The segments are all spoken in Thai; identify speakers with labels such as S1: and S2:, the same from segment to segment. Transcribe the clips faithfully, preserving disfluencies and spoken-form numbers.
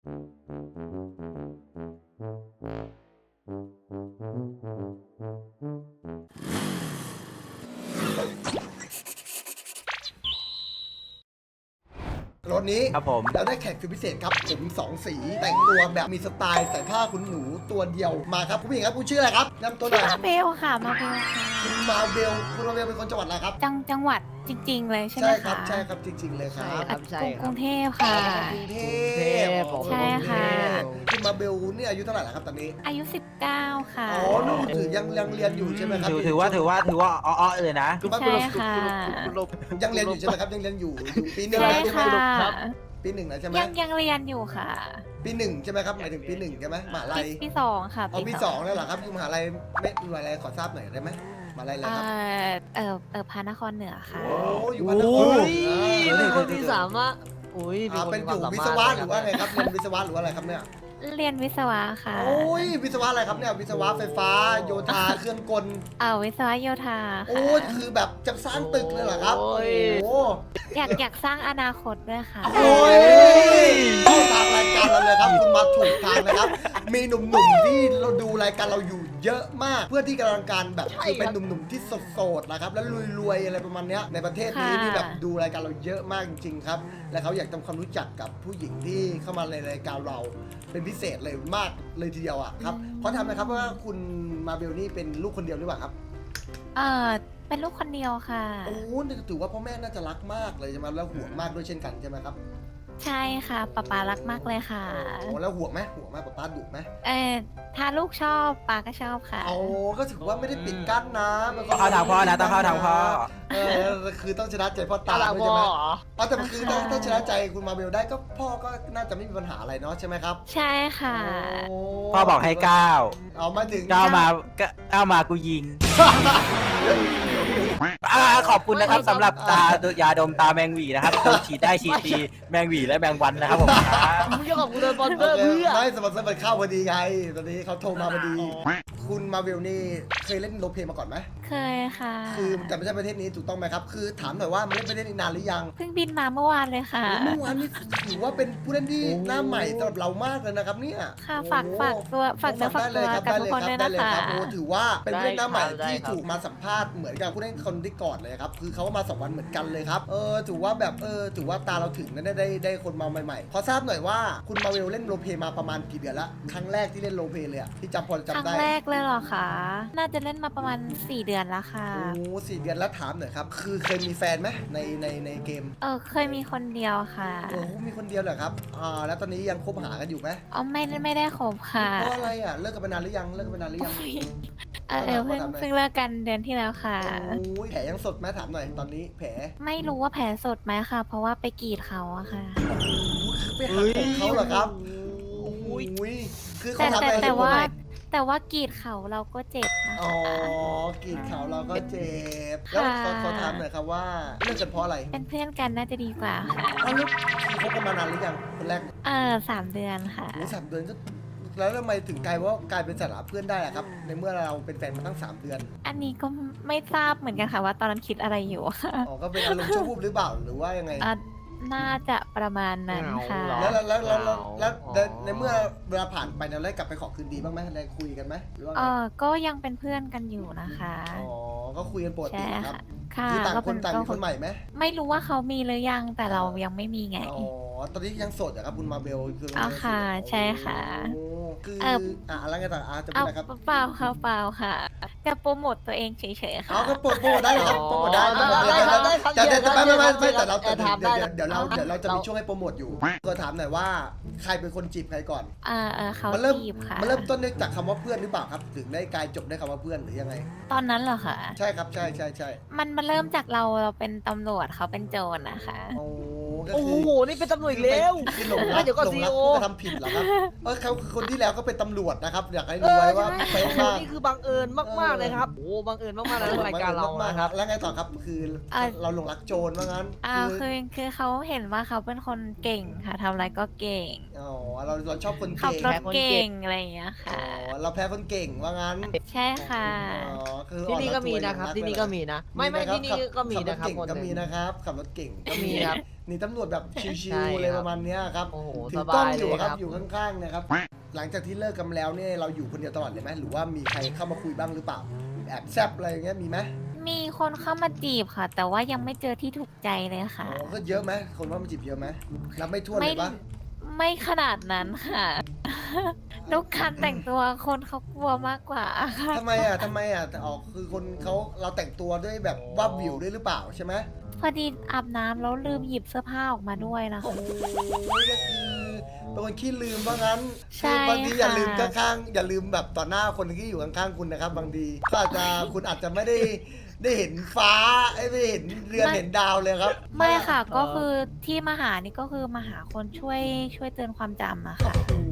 S1: รถนี้
S2: ครับผม
S1: เราได้แขกสุดพิเศษครับผมสองสีแต่งตัวแบบมีสไตล์ใส่ผ้าคุณหนูตัวเดียวมาครับคุณผู้หญิงครับคุณชื่ออะไรครับนำตัวหน่อย
S3: มาเบลค่ะมาเบลค่ะ
S1: คุณมาเบลคุณมาเบลเป็นคนจังหวัดอะไรครับ
S3: จังจังหวัดจริง ๆ เลยใช่ไหม
S1: ใช่
S3: คะ
S1: ครับใช่ครับจริง ๆ เลยครับ
S2: ครับใช่
S3: กรุง
S2: ค
S3: ก
S2: รั
S3: รุ
S2: บ
S3: งเทพค่ะ
S1: กรุงเทพ
S3: ใช่ค่ะ
S1: คุณมาเบลเนี่ยอายุเท่าไหร่แล้วครับตอนนี้
S3: อายุสิบเก้าค่ะ
S1: อ๋อนู่นถือยังยังเรียนอยู่ใช่ไหมครับ
S2: ถือถือว่าถือว่าถือว่าอ้อๆเลยนะ
S3: ใช่ค่ะ
S1: ยังเรียนอยู่ใช่ไหมครับยังเรียนอยู่อยู่ปีหนึ่ง
S3: ใช่
S1: แล้วใช่ไหม
S3: ค่ะ
S1: ปีหนึ่งแล้วใช่ไหม
S3: ยังยังเรียนอยู่ค่ะ
S1: ปีหนึ่งใช่ไหมครับหมายถึงปีหนึ่งใช่ไหมมหาลั
S3: ปี
S1: ย
S3: ปีสองค่ะ
S1: เอาปีสองแล้วเหรอครับอยู่มหาลัยไม่อยู่มหาลัยขอทราบหน่อยได้ไหมมหาลัยอะไร
S3: เอ่
S1: ครับ
S3: อเออเออพระนครเหนือค่ะ
S1: โอ้อยู่พันนคร
S4: เป็นคนที่สามารถอุ้ย
S1: อ่าเป็นอยู่วิศวะหรือว่าไงครับเรียนวิศวะหรือว่าอะไรครับเนี่ย
S3: เรียนวิศวะค่ะ
S1: โอ้ยวิศวะอะไรครับเนี่ยวิศวะไฟฟ้าโยธาเครื่องกล
S3: เออวิศวะโยธา
S1: โอ้
S3: ค่ะ
S1: ยคือแบบจะสร้างตึกเลยเหรอครับ
S4: โอ้ย
S1: โอ้
S3: อยากอยากสร้างอนาคตด้วยค่ะ
S1: โอ้ยเข้าทางรายการเราเลยครับคุณมาถูกทางนะครับ มีหนุ่มๆที่เราดูรายการเราอยู่เยอะมาก เพื่อที่กำลังการแบบคือเป็นหนุ่มๆที่โสดๆนะครับแล้วรวยๆอะไรประมาณเนี้ยในประเทศนี้
S3: ค่ะ
S1: นี่แบบดูรายการเราเยอะมากจริงๆครับและเขาอยากทำความรู้จักกับผู้หญิงที่เข้ามาในรายการเราเป็นพิเศษเลยมากเลยทีเดียวอ่ะครับเพราะทำนะครับว่าคุณมาเบลนี่เป็นลูกคนเดียวหรือเปล่าครับ
S3: เออเป็นลูกคนเดียวค่ะ
S1: โอ้นี่ถือว่าพ่อแม่น่าจะรักมากเลยใช่ไหมแล้วห่วงมากด้วยเช่นกันใช่ไหมครับ
S3: ใช่ค่ะป๊าป๊ารักมากเลยค่ะ
S1: โอ้แล้วห่วงไหมห่วงไหมป๊าป๊าดุไหม
S3: เออถ้าลูกชอบป๊าก็ชอบค่ะ
S1: โอ้ก็ถือว่าไม่ได้ปิดกั้นนะเป็นคน
S2: เข้าทางพ่อนะต้องเข้าทางพ่อ
S1: เออคือต้องชนะใจพ่อตา
S4: ตา
S1: ด้วย
S4: บ
S1: ใช่
S4: อ
S1: ไหม
S4: เหรอ
S1: อ๋อแต่คือถ้าถ้าชนะใจคุณมาเบลได้ก็พ่อก็น่าจะไม่มีปัญหาอะไรเนาะใช่ไหมครับ
S3: ใช่ค่ะ
S1: โอ้
S2: พ่อบอกให้ก้าว
S1: เอามาถึง
S2: ก้าวมาก้าวมากูยิงอ่าขอบคุณนะครับสำหรับตายาดมตาแมงหวีนะครับฉีดได้ฉีดดีแมงหวีและแมงวันนะครับผมครับ
S4: มึงจะขอบคุณสปอนเซอร์เพื่อ
S1: ไม่สปอนเซอร์มันเข้าพอดีไงตอนนี้เขาโทรมาพอดี คุณมาเบลนี่เคยเล่นโรลเพลย์มาก่อนไหม
S3: เคยค่ะ
S1: คือแต่ไม่ใช่ประเทศนี้ถูกต้องไหมครับ คือถามหน่อยว่ามันเล่นประเทศนี้นานหรือยัง
S3: เพิ่งบินมาเมื่อวานเลยค่ะ
S1: เมื่อวานนี้ถือว่าเป็นผู้เล่นที่หน้าใหม่สำหรับเรามากเลยนะครับเนี่ย
S3: ค่ะฝากฝากตัวฝากเนื้อฝาก
S1: ได้
S3: ตั
S1: เล
S3: วย
S1: ครับ
S3: กับ
S1: ได้
S3: ทุก
S1: เลย
S3: คน
S1: ค
S3: ด้
S1: รั
S3: วย
S1: บได้
S3: นะ
S1: เลย
S3: คะ
S1: ครับโอ้ถือว่าเป็นผู้เล่นหน้าใหม่
S4: ได้
S1: ที่
S4: ครับ
S1: ถูกมาสัมภาษณ์เหมือนกับผู้เล่นคนที่ก่อนเลยครับคือเขามาสองวันเหมือนกันเลยครับเออถือว่าแบบเออถือว่าตาเราถึงนะได้ได้ได้คนมาใหม่ๆขอทราบหน่อยว่าคุณมาเวลเล่นโรลเพลย์มาประมาณกี่เดือนละครั้งแรกที่เล่นโรลเพลย์เลยอะที่จำพอ
S3: ค
S1: จำ
S3: รั้ง
S1: ได้
S3: แรกเลยเหรอคะน่าจะเล่นมาประมาณสี่เดือนแล้วค่ะ
S1: โอ้สี่เดือนแล้วถามหน่อยครับคือเคยมีแฟนไหมในในในเกม
S3: เออเคยมีคนเดียวค่ะ
S1: โอ้มีคนเดียวเหรอครับอ่าแล้วตอนนี้ยังคบหากันอยู่ไหม
S3: อ๋อไม่ได้ไม่ได้คบค่ะ
S1: เพราะอะไรอ่ะเลิกกันไปนานหรือยังเลิกกันไปนานหรือยัง
S3: เออเออเพิ่งเพิ่งเลิกกันเดือนที่แล้วค่ะ
S1: โอ้ยแผลยังสดไหมถามหน่อยตอนนี้แผล
S3: ไม่รู้ว่าแผลสดไหมค่ะ เพราะว่าไปกรีดเขาอะค่ะ
S1: ไปหักอกเขาเหรอครับโอ้ยคือเขา
S3: แต่
S1: ทำ
S3: แต่
S1: อะไร
S3: แต่
S1: ให้ผม
S3: ว่า
S1: หน่อย
S3: แต่ว่ากรีดเขาเราก็เจ็บนะ
S1: อ๋อ
S3: คะ
S1: กรีดเขาเราก็เจ็บแล้วขอ
S3: ค่ะ
S1: ขอถามหน่อยครับว่าเลิกกันเพราะอะไร
S3: เป็นเพื่อนกันน่าจะดีกว่าค่ะ
S1: อ้าวแล้วคือคบกันมานานหรือยังคนแรกเนี่ย
S3: เออสามเดือนค่ะ
S1: โอ้สามเดือนก็แล้วทำไมถึงกลายว่ากลายเป็นสถานะเพื่อนได้อะครับในเมื่อเราเป็นแฟนมาตั้งสามเดือน
S3: อันนี้ก็ไม่ทราบเหมือนกันค่ะว่าตอนนั้นคิดอะไรอยู่ค่ะ
S1: อ๋อ ก็เป็นอารมณ์ชั่ววูบหรือเปล่า หรือว่ายังไง
S3: อ่ะน่าจะประมาณนั้นค่ะ
S1: แล้วแล้วแล้วแล้วแล้วแล้วในเมื่อเวลาผ่านไปเราได้กลับไปขอคืนดีบ้างไหมได้คุยกันไหมหรือว่า
S3: เอ
S1: ไง
S3: อก็ยังเป็นเพื่อนกันอยู่นะคะ
S1: อ๋อ ก็คุยกันปกติ
S3: ใช่
S1: ครับ
S3: ค่ะ
S1: คือต่าง
S3: ก็
S1: ค
S3: เป็น
S1: ต่าง
S3: ก็
S1: มีคนใหม่ไหม
S3: ไม่รู้ว่าเขามีหรือยังแต่เรายังไม่มีไง
S1: อ๋อ ตอนนี้ยังโสดเหรอครับคุณมาเบลคือ
S3: อ๋อค่ะใช่ค่ะ
S1: โอ้คือ
S3: เอ่อ
S1: อ่ะอะไรกันต่างอ่ะจะพู
S3: เอา
S1: ดอะไรครับ
S3: เปล่าค่ะเปล่าค่ะจะโปรโมทตัวเองเฉยๆค่ะ
S1: เอาก็โปรโมทได้เหรอครับโปรโมทได้โปรโมท
S4: ได้
S1: ได้
S4: ได้ครับ
S1: แต่แต่แต่ไม่ไม่ไม่ไม่
S4: ได้ครับ
S1: แต่เราแต่
S4: ได้ครับ
S1: เดี๋ยว
S4: ได้
S1: เดี๋ยวเดี๋ยวเรา
S4: ครับ
S1: เดี๋ยวเราจะมี
S4: เรา
S1: ช่วงให้โปรโมทอยู่ก็ถามหน่อยว่าใครเป็นคนจีบใครก่อน
S3: อ่าเออเขา
S1: มันเริ่ม
S3: จีบค่ะ
S1: มันเริ่มต้นด้วยจากคำว่าเพื่อนหรือเปล่าครับ ถึงได้กลายจบด้วยคำว่าเพื่อนหรือยังไง
S3: ตอนนั้นเหรอคะ
S1: ใช่ครับใช่ใช่ใช่
S3: มันมันเริ่มจากเราเราเป็นตำรวจเขาเป็นโจรนะคะ
S1: โอ้ก็
S4: โอ้
S1: คื
S4: โห
S1: อ
S4: นี่เป็นตำรวจอีกแล้ว
S1: คือหลงรัก
S4: เดี๋ยวก่อน
S1: หลงรัก
S4: ซีอีโอ
S1: ผู้กระทำผิดเหรอครับเออเขาคือคนที่แล้วก็เป็นตำรวจนะครับอยากให้
S4: เอ
S1: รู้
S4: อ
S1: ไว้ว่า
S4: ใช่
S1: เป๊ะมาก
S4: นี่คือบังเอิญมากๆเลยครับโอ้บังเอิญมากๆเลยรายการเรา
S1: มาก
S4: นะ
S1: ๆ
S4: ค
S1: ค
S4: รั
S1: รับ บแล้วไงต่อครับคือเราหลงรักโจรว่างั้น
S3: อ่าคือคือเขาเห็นว่าเขาเป็นคนเก่งค่ะทำอะไรก็เก่ง
S1: อ๋อเราเราชอบคน
S3: ขับ
S1: เก่ง
S3: รถเก่งอะไรอย่างเงี้ย
S1: อ๋
S3: ค่ะ
S1: อเราแพ้คนเก่งว่างั้น
S3: ใช่ค่ะ
S1: อ๋อคือ
S4: ที่นี่ก็มี
S1: อ่อ
S4: นะครับ
S1: ตัว
S4: ที่นี่ก็มีนะ ไม่ไม่ที่นี่ก็มีนะครับ
S1: ขับรถเก่ง
S4: คนห
S1: ก็
S4: นึ่ง
S1: มีนะครับขับรถเก่งก็
S4: มีครับ
S1: หนีตำรวจแบบชิ
S4: ใช่
S1: วๆเลย
S4: ค
S1: ป
S4: รับ
S1: ระมาณเนี้ยครับ
S4: โอ้โห
S1: ถื
S4: ส
S1: อกล้
S4: บา
S1: อง
S4: ย
S1: อ
S4: เล
S1: ยู่
S4: ย
S1: ค
S4: ค
S1: รั
S4: รั
S1: บบ อยู่ข้างๆนะครับหลังจากที่เลิกกันแล้วเนี่ยเราอยู่คนเดียวตลอดเลยไหมหรือว่ามีใครเข้ามาคุยบ้างหรือเปล่าแอบแซบอะไรอย่างเงี้ยมีไหม
S3: มีคนเข้ามาจีบค่ะ แต่ว่ายังไม่เจอที่ถูกใจเลย
S1: อ๋
S3: ค่ะ
S1: อก็เยอะไหมคนว่ามันจีบเยอะไหมนับไม่ถ้วนเล
S3: ไม่
S1: ยปะ
S3: ไม่ขนาดนั้นค่ะ ลูกคันแต่งตัวคนเขากลัวมากกว่าค่ะ
S1: ทำไมอ่ะทำไมอ่ะแต่ออกคือคนเขาเราแต่งตัวด้วยแบบว่าบวิวด้วยหรือเปล่าใช่ไหม
S3: พอดีอาบน้ำแล้วลืมหยิบเสื้อผ้าออกมาด้วยนะ
S1: โอ้
S3: คะ
S1: โหก็คือเป็นคนขี้ลืมเพราะงั้น
S3: ใช่
S1: คือบางทีอย่า
S3: ค่ะ
S1: ลืมข้างๆอย่าลืมแบบต่อหน้าคนที่อยู่ข้างๆคุณนะครับ บางทีก็อาจจะคุณอาจจะไม่ได้ได้เห็นฟ้าไม่ได้เห็นเรือนเห็นดาวเลยครับ
S3: ไม่ค่ะ ก็คือที่มาหานี่ก็คือมาหาคนช่วยช่วยเตือนความจำอะค่ะ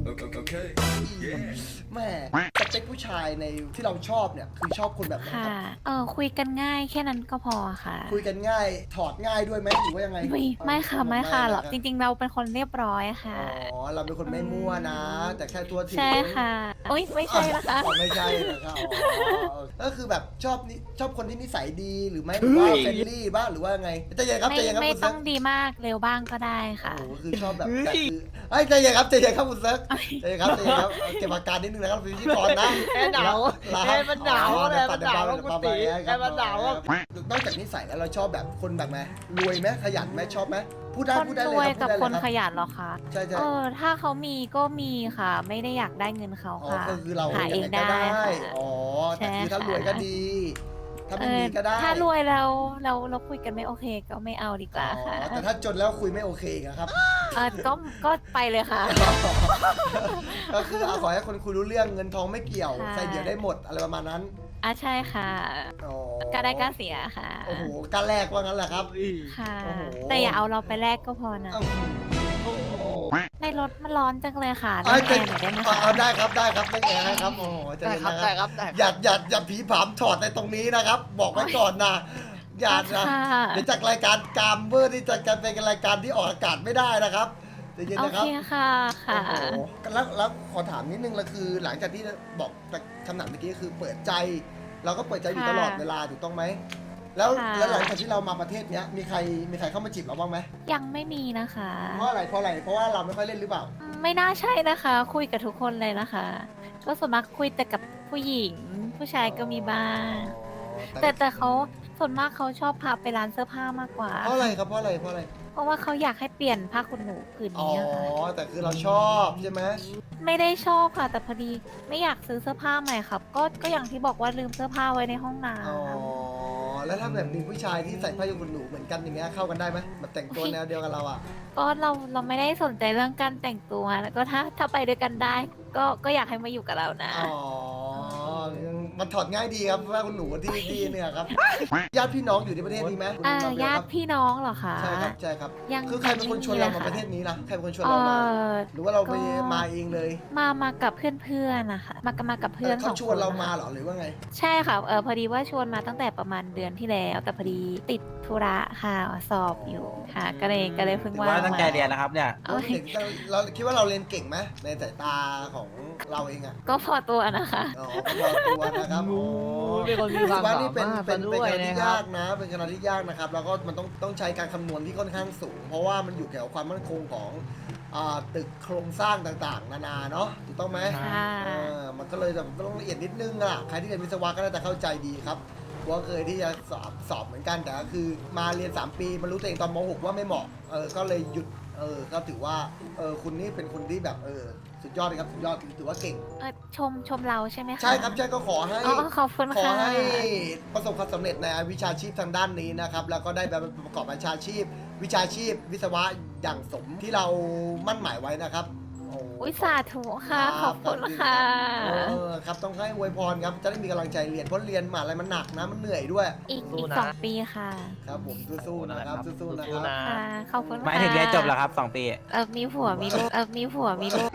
S1: แม่สเปคผู้ชายในที่เราชอบเนี่ยคือชอบคนแบบไหนค
S3: ค่ะ
S1: รับ
S3: เออคุยกันง่ายแค่นั้นก็พอค่ะ
S1: คุยกันง่ายถอดง่ายด้วยไหมหรือว่ายังไง
S3: ไม่ไม่ค่ะไม่ค่ะหรอก
S1: ไม่
S3: จ
S1: นะ
S3: ริง ๆ เราเป็นคนเรียบร้อยค่ะ
S1: อ๋อเราเป็นคนไม่มั่วนะ แต่แค่ตัวถึง
S3: ใช่ค่ะโอ้ยไม่ใช่นะคะ
S1: อ๋อไม่ใช่นะครับอ๋อก็คือแบบชอบนิชอบคนที่นิสัยดีหรือไม่หรือว่าเฟรนลี่บ้างหรือว่าไงใจเย็นครับ
S3: ไม่
S1: ใจเย็นครับ
S3: ไม่
S1: คุณ
S3: ต้
S1: เซิ
S3: อง
S1: ร์ก
S3: ดีมากเร็วบ้างก็ได้ค่ะ
S1: โอ้โหคือชอบแบบแต่คือไอ้ยใจเย็นครับใจเย็นครับคุณเซิร์กใจเย็นครับใจเย็นครับเก็บอาการนิดนึงนะครับเป็นพิธีกรนะ
S4: แอร์หนาว
S1: ล
S4: แอร์มันหนาว
S1: อ๋อ
S4: แอร์มันหนาว
S1: เดี๋ย
S4: คุณ
S1: ปรับ
S4: ตี
S1: เดี๋ยวปรับ
S4: แอร์มันหนาวอะ
S1: นอกจากนิสัยแล้วเราชอบแบบคนแบบไหนรวยไหมขยันไหมชอบไหมพูดได้
S3: คน
S1: พูดได้
S3: ร
S1: เลย
S3: วย
S1: ครับ
S3: กับ
S1: พูด
S3: ค
S1: ได้
S3: น
S1: เลย
S3: ข
S1: ครับ
S3: ยันเหรอคะ
S1: ใช่ใช่
S3: เออถ้าเขามีก็มีค่ะ ไม่ได้อยากได้เงินเขา
S1: อ๋อ
S3: ค่ะ
S1: ก็คือเรา
S3: หาเอง
S1: ยั
S3: ได้
S1: ก็
S3: ค่ะ
S1: อ๋อแต่คือ
S3: ใช่
S1: ถ้ารวย
S3: ค่ะ
S1: ก็ดี ถ้า
S3: เอ
S1: ไม่
S3: อ
S1: มีก็ได้
S3: ถ้ารวยแล้วเราเราคุยกันไม่โอเคก็ไม่เอาดีก
S1: อ๋
S3: ว่า
S1: อ
S3: ค่ะ
S1: แต่ถ้าจนแล้วคุยไม่โอเคอีกอะครับ
S3: เออก็ก็ไปเลยค่ะ
S1: ก็คือเอาขอให้คนคุยรู้เรื่องเงินทองไม่เกี่ยว
S3: ค่ะ
S1: ใส่เดี๋ยวได้หมดอะไรประมาณนั้น
S3: อ่ะใช่ค่ะ
S1: อ๋อ
S3: ก็ได้ก็เสียค่ะ
S1: โอ้โหกล้าแลกว่างั้นแหละครับ
S3: ค่ะ
S1: โอ้โห
S3: แต่อย่าเอาเราไปแลกก็พอนะ
S1: เอ้าโอ้โห
S3: ในรถมันร้อนจังเลยค่ะ
S1: เอา
S3: เล่นแอร์หน่อยได้ไหม
S1: เอา
S3: คะ
S1: เอาได้ครับได้ครับไม่แอร์ให้ครับโอ้โหใจ
S4: ได้
S1: เย็น
S4: ครับ
S1: นะค
S4: ได้
S1: รับ
S4: ครับได้ครับ
S1: อย่าอย่าอย่าผีผามถอดในตรงนี้นะครับ บอกไว้ก่อนนะอย่านะ
S3: ค่ะ
S1: เดี๋ยวจากรายการกามเบอร์ที่จะกันเป็นรายการที่ออกอากาศไม่ได้นะครับใจเย็น
S3: โอ
S1: นะครั
S3: เค
S1: บ
S3: ค่ะค่ะ
S1: โอ้โหแล้วแล้วขอถามนิดนึงละคือ หลังจากที่บอกคำถามเมื่อกี้คือเปิดใจ เราก็เปิดใจอยู่ตลอดเวลาถูกต้องไหมแล้วแล้วหลังจากที่เรามาประเทศเนี้ยมีใครมีใครเข้ามาจีบเราบ้างไหม
S3: ยังไม่มีนะคะ
S1: เพราะอะไรเพราะอะไรเพราะว่าเราไม่ค่อยเล่นหรือเปล่า
S3: ไม่น่าใช่นะคะ คุยกับทุกคนเลยนะคะ ก็ส่วนมากคุยแต่กับผู้หญิง ผู้ชายก็มีบ้าง แต่แต่เขาส่วนมากเขาชอบพาไปร้านเสื้อผ้ามากกว่า
S1: เพราะอะไรครับเพราะอะไรเพราะอะไร
S3: เพราะว่าเขาอยากให้เปลี่ยนผ้าขนหนูผืน
S1: อ๋อ
S3: นี้ค่ะ
S1: แต่คือเราชอบใช่ไหม
S3: ไม่ได้ชอบค่ะ แต่พอดีไม่อยากซื้อเสื้อผ้าใหม่ครับ ก็ก็อย่างที่บอกว่าลืมเสื้อผ้าไว้ในห้องน้
S1: อ๋อแล้วถ้าแบบมีผู้ชายที่ใส่ผ้าขนหนูเหมือนกันอย่างเงี้ยเข้ากันได้ไหมแบบแต่งตัวแนวเดียวกับเราอ่ะ
S3: ำก็เราเราไม่ได้สนใจเรื่องการแต่งตัวแล้วก็ถ้าถ้าไปด้วยกันได้ ก็ก็อยากให้มาอยู่กับเรานะ
S1: อ๋อมันถอดง่ายดีครับผ้าขนหนูที่ที่เนี่ยครับญาติพี่น้องอยู่ในประเทศนี้ไหมคุณ
S3: อ่า
S1: มาเบล
S3: ญา
S1: ค
S3: ติ
S1: รับ
S3: พี่น้องเหรอคะ
S1: ใช่ครับใช่ครับ
S3: ยัง
S1: คือใครเป็นคนชวนเรามาประเทศนี้ล่ะใครเป็นคนชวนเรามา
S3: เอ่อ
S1: หรือว่าเราไป
S3: ก็
S1: มาเองเลย
S3: มามากับเพื่อนๆนะคะมากับมากับเพื่อนส
S1: เขา
S3: อง
S1: ช
S3: ค
S1: วน
S3: น
S1: เรา
S3: นะคะ
S1: มาเหรอหรือว่าไง
S3: ใช่ค่ะเออพอดีว่าชวนมาตั้งแต่ประมาณเดือนที่แล้ว แต่พอดีติดธุระค่ะสอบอยู่ค่ะ ก็เลยก็เลยเพิ่ง
S2: ถือ
S3: ว่า
S2: ว่าตั้งใจเรียนนะครับเนี่ย
S3: เอา
S1: เด็กเราคิดว่าเราเรียนเก่งไหมในสายตาของเราเองอ่ะ
S3: ก็พอตัวนะคะ
S1: อ๋อก็พอตัวนะครับ
S4: โอ้
S1: อ๋อ
S4: เป็นคนมีความ
S1: ว่า
S4: สา
S1: นี่เป็น
S4: มารถ
S1: เป็น
S4: ซะ
S1: เป็น
S4: ด้วย
S1: คณะ
S4: นะ
S1: ที่
S4: ครั
S1: ยา
S4: บ
S1: กนะ เป็นคณะที่ยากนะครับ แล้วก็มันต้องต้องใช้การคำนวณที่ค่อนข้างสูง เพราะว่ามันอยู่เกี่ยวกับความมั่นคงของอ่าตึกโครงสร้างต่างๆ นานาเนาะถูกต้องไหม
S3: ค่ะ
S1: เออมันก็เลยแบบก็ต้องละเอียดนิดนึงอะใครที่เรียนวิศวะก็น่าจะเข้าใจดีครับเพราะว่าเคยที่จะสอบสอบเหมือนกันแต่ก็คือมาเรียนสามปีมารู้ตัวเองตอนม .หก ว่าไม่เหมาะเออก็เลยหยุดเออก็ถือว่าเออคุณนี่เป็นคนที่แบบเออสุดยอดเลยครับสุดยอดถือว่าเก่ง
S3: เออชมชมเราใช่ไหมคะ
S1: ใช่ครับใช่ก็ขอให้
S3: อ๋อขอบคุณ
S1: ขอ
S3: ค่ะ
S1: ให้ประสบความสำเร็จในวิชาชีพทางด้านนี้นะครับ แล้วก็ได้แบบประกอบวิชาชีพ วิชาชีพ วิศวะอย่างสมที่เรามั่นหมายไว้นะครับโ
S3: อุ้ยสาธุค่ะขอบคุณค่ะ
S1: เออครับต้องให้อวยพรครับจะได้มีกำลังใจเรียนเพราะเรียนมหาอะไรมันหนักนะมันเหนื่อยด้วย
S3: อีก
S4: สู้
S3: อีก
S4: นะ
S3: สองปีค่ะ
S1: ครับผมสู้ๆนะครับสู้ๆนะค
S4: สู้
S1: รับ
S4: นะ
S3: ค่ะขอบคุณค่ะ
S2: หมายถึงเรียนจบแล้วครับสองปี
S3: เออมีผัวมีลูกเออมีผัวมีลูก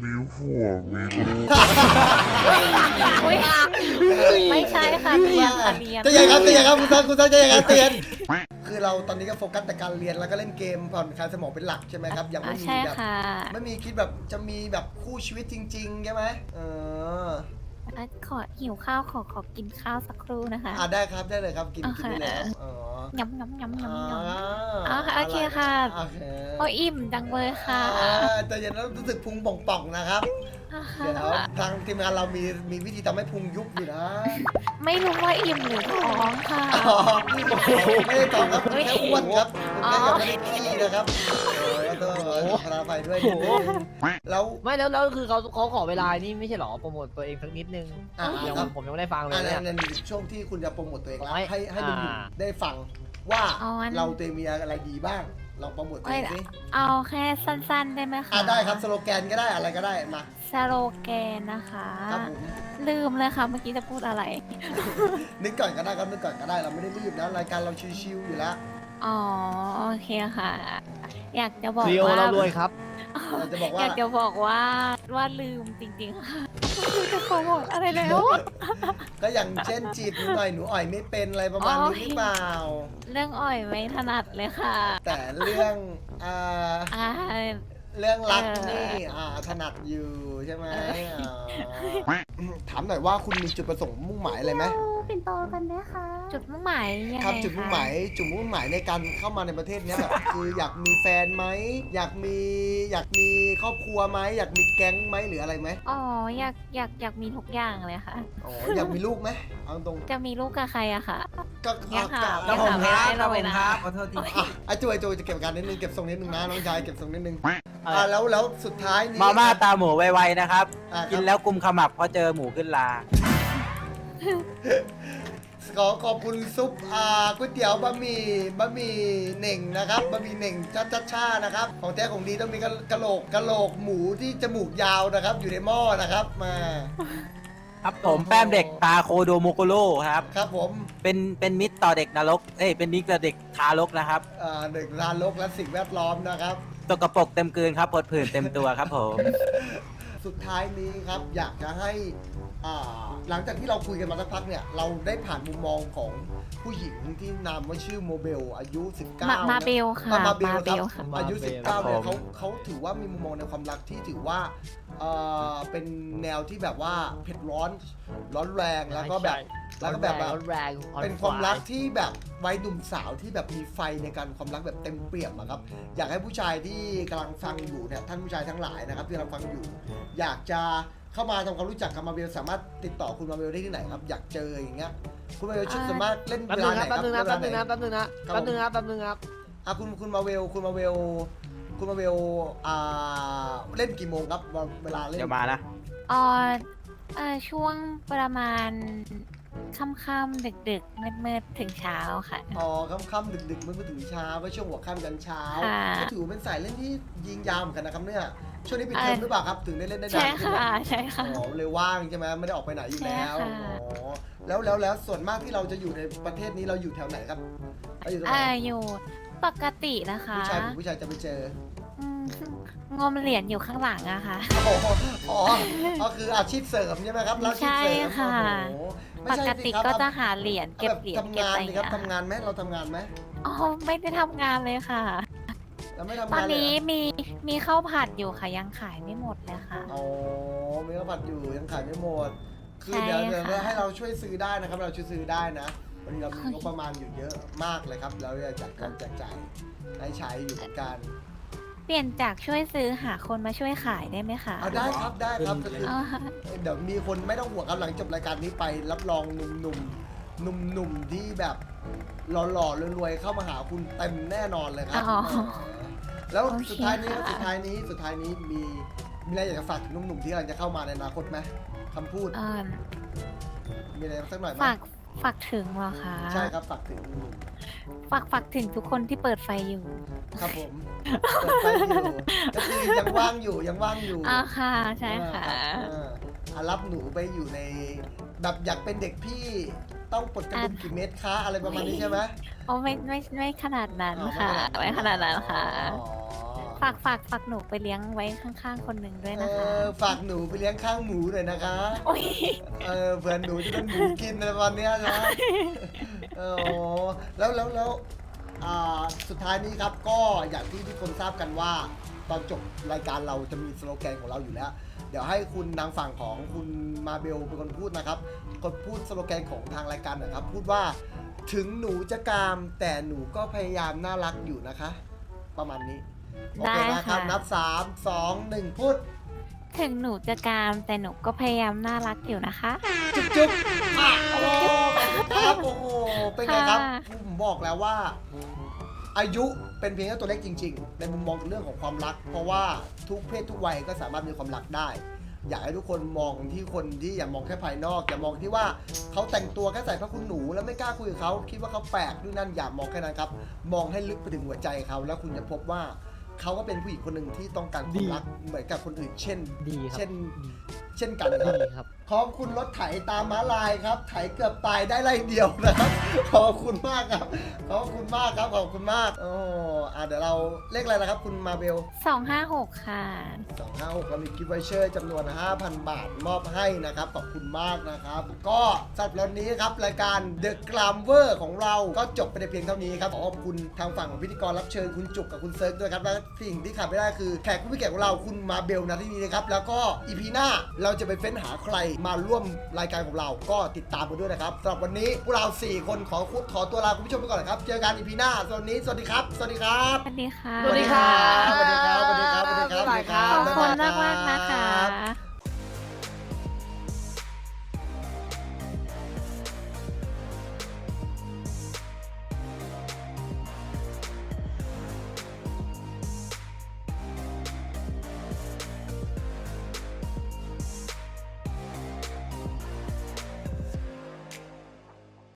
S3: อุ้ยไม่ใช่ค่ะเรียนค่ะเรียน
S1: จะยังครับจะยังครับคุณซันคุณซันจะยังครับเตียนคือเราตอนนี้ก็โฟกัสแต่การเรียนแล้วก็เล่นเกมผ่อนคลายสมองเป็นหลักใช่ไหมครับยัง
S3: อ่า
S1: ไม่มี
S3: ใช่
S1: แบบ
S3: ค่ะ
S1: ไม่มีคิดแบบจะมีแบบคู่ชีวิตจริงๆใช่ไหมเออ
S3: อ่ะขอหิวข้าวขอขอกินข้าวสักครู่นะคะ
S1: อ่าได้ครับได้เลยครับกิน
S3: โอ
S1: กิ
S3: เค
S1: นได้เลยครับอ๋อ
S3: ยำยำยำยำยำ
S1: อ่า
S3: อ๋อโอเคค่ะ
S1: โอเค
S3: โอ้อิ่มจังเลยค่ะ
S1: อ่าแต่เย็นแล้วรู้สึกพุงป่องๆนะครับ เดี๋ยวทางทีมงานเรามีมีวิธีทำให้พุงยุบอยู่นะ
S3: ไม่รู้ว่าอิ่มหรือท้องค่ะ
S1: อ๋อไม่ได้ตอบครับคุณแค่อ้วนครับคุณแค่ยังไม่ได้ขี้นะครับโอ้ยต้องขอไปด้วยนิดนึงแล้ว
S4: ไม่แล้วแล้วคือเขาเขาขอเวลานี่ไม่ใช่หรอโปรโมทตัวเองสักนิดนึง
S1: อ่า
S4: ยัง
S1: ครับ
S4: ผมยังไม่ได้ฟังเลย
S1: อัน
S4: เนี่
S1: นั้
S4: ย
S1: นในช่วงที่คุณจะโปรโมทตัวเองแล้ว
S4: โอ้ย
S1: ให้ให้ลุง
S4: อ่า
S1: ได้ฟังว่า
S3: เอาอัน
S1: เราตัวเองมีอะไรดีบ้างลองโปรโมทตัวเองสิ
S3: เอาแค่สั้นๆได้ไหมคะ
S1: อ่าได้ครับสโลแกนก็ได้อะไรก็ได้มา
S3: สโลแกนนะคะ
S1: ครับผม
S3: ลืมเลยค่ะเมื่อกี้จะพูดอะไร
S1: นึกก่อนก็ได้ครับนึกก่อนก็ได้เราไม่ได้รีบนะรายการเราชิวๆอยู่แล้ว
S3: อ๋อโอเคค่ะ อยากจะบอก
S4: เรียว
S3: ว่า
S4: เรารวยครับ
S1: เราจะบอก
S3: อ
S1: ว่า
S3: ยากจะบอกว่าว่าลืมจริงๆค่ะไม่รู้จะโปรโมทอะไรแล้ว
S1: ก็อย่างเช่นจีบหนูหน่อยหนูอ่อยไม่เป็นอะไรประมาณนี้หรือเปล่า
S3: เรื่องอ่อยไม่ถนัดเลยค่ะ
S1: แต่เรื่องอ่า
S3: อ่า
S1: เรื่องรัก
S3: เออ
S1: นี่อ่าถนัดอยู่ใช่ไหม
S3: เออ
S1: อ่าถามหน่อยว่าคุณมีจุดประสงค์มุ่งหมายอะไรไหม
S5: ปิ่นโตกันไหมคะ
S3: จุดมุ่งหมายยังไง
S1: ครับจุดมุ่งหมาย
S3: คะ
S1: จุดมุ่งหมายในการเข้ามาในประเทศเนี้ยแบบ คืออยากมีแฟนไหมอยากมีอยากมีครอบครัวไหมอยากมีแก๊งไหมหรืออะไรไหม
S3: อ๋ออยากอยากอยากมีทุกอย่างเลยค่ะ
S1: อ๋ออยากมีลูกไหมเอาตรง
S3: จะมีลูกกับใครอะค่ะ
S1: ก็
S3: ยังหา
S1: ก็
S3: ยังหาไม่ได้เลยนะ
S2: ขอโทษที
S1: อ่ะอ่ะจุยจุยจะเก็บอาการนิดนึงเก็บทรงนิดนึงนะน้องชายเก็บทรงนิดนึง
S2: เอ
S1: อ่า
S2: อ
S1: แล้วแล้วสุดท้ายนี้
S2: มาม่าตาหมูไวๆนะครับ
S1: อ่ะ
S2: กินแล้วกุมขมับเพราะเจอหมูขึ้นลา
S1: ขอขอบคุณซุปอ่าก๋วยเตี๋ยวบะหมี่บะหมี่เหน่งนะครับบะหมี่เหน่งชัดชัดชานะครับของแท้ของดีต้องมีกะกะโหลกกะโหลกหมูที่จมูกยาวนะครับ อยู่ในหม้อนะครับมา
S2: ครับผมแป้มเด็กตาโคโดโมโกโร่ครับ
S1: ครับผม
S2: เป็นเป็นมิตรต่อเด็กนรก เอ้ยเป็นมิตรต่อเด็กทารกนะครับ
S1: อ่าหนึ่งรานโลกและสิ่งแวดล้อมนะครับ
S2: ตกกระปรกเต็มกลืนครับผดผื่นเต็มตัวครับผม
S1: สุดท้ายนี้ครับอยากจะให้อ่าหลังจากที่เราคุยกันมาสักพักเนี่ยเราได้ผ่านมุมมองของผู้หญิงที่นามว่าชื่อโมเบลอายุ สิบเก้า
S3: มามา
S1: นะ
S3: เบลค่ะ
S1: อ่ะมาเบล
S3: มาเบล
S1: ค
S3: ค่ะ
S1: รับอายุ
S4: มาเบล
S1: สิบเก้าเนี่ย
S2: ครับผม
S1: เขาเขาถือว่ามีมุมมองในความรักที่ถือว่าเอ่อเป็นแนวที่แบบว่าเผ็ดร้อนร้อนแรงแล้วก็แบบแล้วก็แบบแบบ
S4: รถแรง
S1: เป็นความรักที่แบบวัยหนุ่มสาวที่แบบมีไฟในการความรักแบบเต็มเปี่ยมอะครับอยากให้ผู้ชายที่กำลังฟังอยู่เนี่ยท่านผู้ชายทั้งหลายนะครับที่กำลังฟังอยู่ อยากจะเข้ามาทำความรู้จักกับมาเบลสามารถติดต่อคุณมาเบลได้ที่ไหนครับอยากเจออย่างเงี้ยคุณมาเบลชุดสามารถเล่น
S4: แป๊บ
S1: เว
S4: นึ
S1: ลาง ไหน
S4: นะ
S1: ค
S4: แป๊
S1: รั
S4: บบ นึงนะ
S1: เว
S4: แป๊
S1: ลา
S4: บ
S1: ไห
S4: นึงนะ
S1: น
S4: แป๊บนึงนะแป๊บนึงนะแป๊บนึงครับ
S1: อ่ะคุณคุณมาเวลคุณมาเวลคุณมาเวลอ่าเล่นกี่โมงครับเวลาเล่น
S2: เดี๋ยวมานะ
S3: อ๋อเอ่อช่วงประมาณค่ำๆดึกๆมืดๆถึงเช้าค่ะ
S1: อ๋อค่ำๆดึกๆมืดๆถึงเช้าไว้ช่วงหัวค่ำกันเช้า
S3: ค่ะ
S1: ก็ถือว่าเป็นสายเล่นที่ยิงยาวเหมือนกันนะครับเนี่ยช่วงนี้ปิดเทอม
S3: เอ่อ
S1: หรือเปล่าครับถึงได้เล่นได้
S3: ใช่
S1: นานขึ้น
S3: ค่ะใช่ค่ะ
S1: อ๋อเลยว่างใช่ไหมไม่ได้ออกไปไหนอยู่แล้ว
S3: ใช่ค่ะ
S1: อ๋อแล้วแล้วแล้วส่วนมากที่เราจะอยู่ในประเทศนี้เราอยู่แถวไหนครับเราอยู่ตรงไหน
S3: อ่าอยู่ปกตินะคะ
S1: ผู้ชายผมผู้ชายจะไปเจอ
S3: อืมงมเหรียญอยู่ข้างหลังอะค่ะ
S1: อ๋ออ๋อก็คืออาชีพเสริมใช่ไหมครับรับอาชีพเสริม
S3: ใช่ค่ะ
S1: โอ้โห
S3: ป
S1: ไม่ใช่
S3: ก
S1: สิ
S3: ติ
S1: ครับ
S3: ก็จะหาเหรียญเก็บ
S1: แบบ
S3: เหรียญ
S1: ทำ
S3: เก็บ
S1: งาน
S3: อะไร
S1: สิ
S3: อย่าง
S1: ครับ
S3: เงี้ย
S1: ทำงานไหมเราทำงานไหม
S3: อ๋อไม่ได้ทำงานเลยค่ะ
S1: เราไม่ทำ
S3: ตอน
S1: งานเลย
S3: นี้
S1: เหรอ
S3: มีมีข้าวผัดอยู่ค่ะยังขายไม่หมดเลยค่ะ
S1: อ๋อมีข้าวผัดอยู่ยังขายไม่หมด คือ
S3: ใช่
S1: เดี๋ยวเดี๋ยว
S3: ค่ะ
S1: ให้เราช่วยซื้อได้นะครับ เราช่วยซื้อได้นะวันนี้เรามีงบประมาณอยู่เยอะมากเลยครับ เราจะจัดการแจกจ่ายให้ใช้อยู่เหมือนกัน
S3: เปลี่ยนจากช่วยซื้อหาคนมาช่วยขายได้ไหมคะ
S1: เอาได้ครับได้ครับก็คือ
S3: อ๋อ
S1: เดี๋ยวมีคนไม่ต้องห่วงครับหลังจบรายการนี้ไปรับรองหนุ่มหนุ่มหนุ่มหนุ่มๆที่แบบหล่อๆรวยๆเข้ามาหาคุณเต็มแน่นอนเลยครับ
S3: อ๋อ
S1: แล้ว
S3: โอเค
S1: สุดท้ายนี้
S3: ค่ะ
S1: สุดท้ายนี้สุดท้ายนี้มีมีอะไรอยากจะฝากถึงหนุ่มๆที่กำลังจะเข้ามาในอนาคตไหมคำพูด
S3: เอ่อ
S1: มีอะไรสักหน่อยไหม
S3: ฝากฝากถึงเหรอคะ
S1: ใช่ครับฝากถึงหนุ่ม
S3: ฝากฝากถึงทุกคนที่เปิดไฟอยู่
S1: ๆครับผมเปิดไฟอยู่ก็คือยังว่างอยู่ยังว่างอยู่
S3: อ่าค่ะใช่ค่ะ
S1: เอออ่ะรับหนูไปอยู่ในแบบอยากเป็นเด็กพี่ต้องปลดกระดุมกี่เม็ดคะอะไรประมาณนี้ใช่ไหม
S3: โอ้ไม่ไม่ไม่ขนาดนั้น
S1: อ๋อ
S3: ค่ะ ไม่ขนาดนั้นค่ะ
S1: อ๋อ
S3: ฝากฝากฝากหนูไปเลี้ยงไว้ข้างๆคนหนึ่งด้วย
S1: เอ
S3: นะคะ
S1: อฝากหนูไปเลี้ยงข้างหมูหน่อยนะคะ
S3: โอ้ย
S1: เออเผื่อหนูจะเป็นหมูกินในวันเนี้ยนะเออแล้วแล้วแล้วอ่าสุดท้ายนี้ครับก็อย่างที่ทุกคนทราบกันว่าตอนจบรายการเราจะมีสโลแกนของเราอยู่แล้ว เดี๋ยวให้คุณนางฝั่งของคุณมาเบลเป็นคนพูดนะครับคนพูดสโลแกนของทางรายการหนะครับ พูดว่าถึงหนูจะกามแต่หนูก็พยายามน่ารักอยู่นะคะ ประมาณนี้โอเคนะครับนับสามสองหนึ่งพูด
S3: ถึงหนูจะกามแต่หนูก็พยายามน่ารักอยู่นะคะ
S1: จุ๊บจุ๊บอ่ะโอ้ครับโอ้โหเป็นไงครับ
S3: ค่ะ
S1: ผมบอกแล้วว่า อายุเป็นเพียงแค่ตัวเลขจริงๆ ในมุมมองเรื่องของความรัก เพราะว่าทุกเพศทุกวัยก็สามารถมีความรักได้ อยากให้ทุกคนมองที่คนที่อย่ามองแค่ภายนอกอย่ามองที่ว่าเขาแต่งตัวแค่ใส่ผ้าคลุมหนูแล้วไม่กล้าคุยกับเขาคิดว่าเขาแปลกด้วยนั่นอย่ามองแค่นั้นครับมองให้ลึกไปถึงหัวใจเขาแล้วคุณจะพบว่าเขาก็เป็นผู้หญิงคนหนึ่งที่ต้องการความรักเหมือนกับคนอื่น เช่น
S4: ดีครับ
S1: เช่น เช่นกันครับ
S4: ดีครับ
S1: ขอบคุณรถไถตามม้าลายครับ ไถเกือบตายได้ไล่เดียวนะครับ ขอบคุณมากครับ ขอบคุณมากครับ ขอบคุณมาก โอ้อ่าเดี๋ยวเราเลขอะไรนะครับ คุณมาเบล
S3: สองห้าหกค่ะ
S1: สองห้าหกเรามีกิฟต์วอเชอร์จำนวน ห้าพัน บาทมอบให้นะครับ ขอบคุณมากนะครับ ก็สำหรับวันนี้ครับ รายการ The Glamour ของเราก็จบไปในเพียงเท่านี้ครับขอขอบคุณทางฝั่งของพิธีกรรับเชิญคุณจุกกับคุณเซิร์ฟด้วยครับ และสิ่งที่ขาดไม่ได้คือแขกผู้มีเกียรติของเราคุณมาเบลนะที่นี้นะครับ แล้วก็อีพีหน้าเราจะไปเฟ้นหาใครมาร่วมรายการของเราก็ติดตามกันด้วยนะครับสำหรับวันนี้พวกเราสี่คนขอขอตัวลาคุณผู้ชมไปก่อนนะครับเจอกันอีพีหน้าสำหรับวันนี้สวัสดีครับสวัสดีครับ
S3: สวัสดีค่ะ
S4: สวัสดีครับ
S1: สวัสดีครับสวัสดีครับสวัสดีครับสวัสดีครับ
S3: ขอบคุณ
S1: บ๊ยบ
S3: มาก
S1: ย
S3: มากๆนะคะ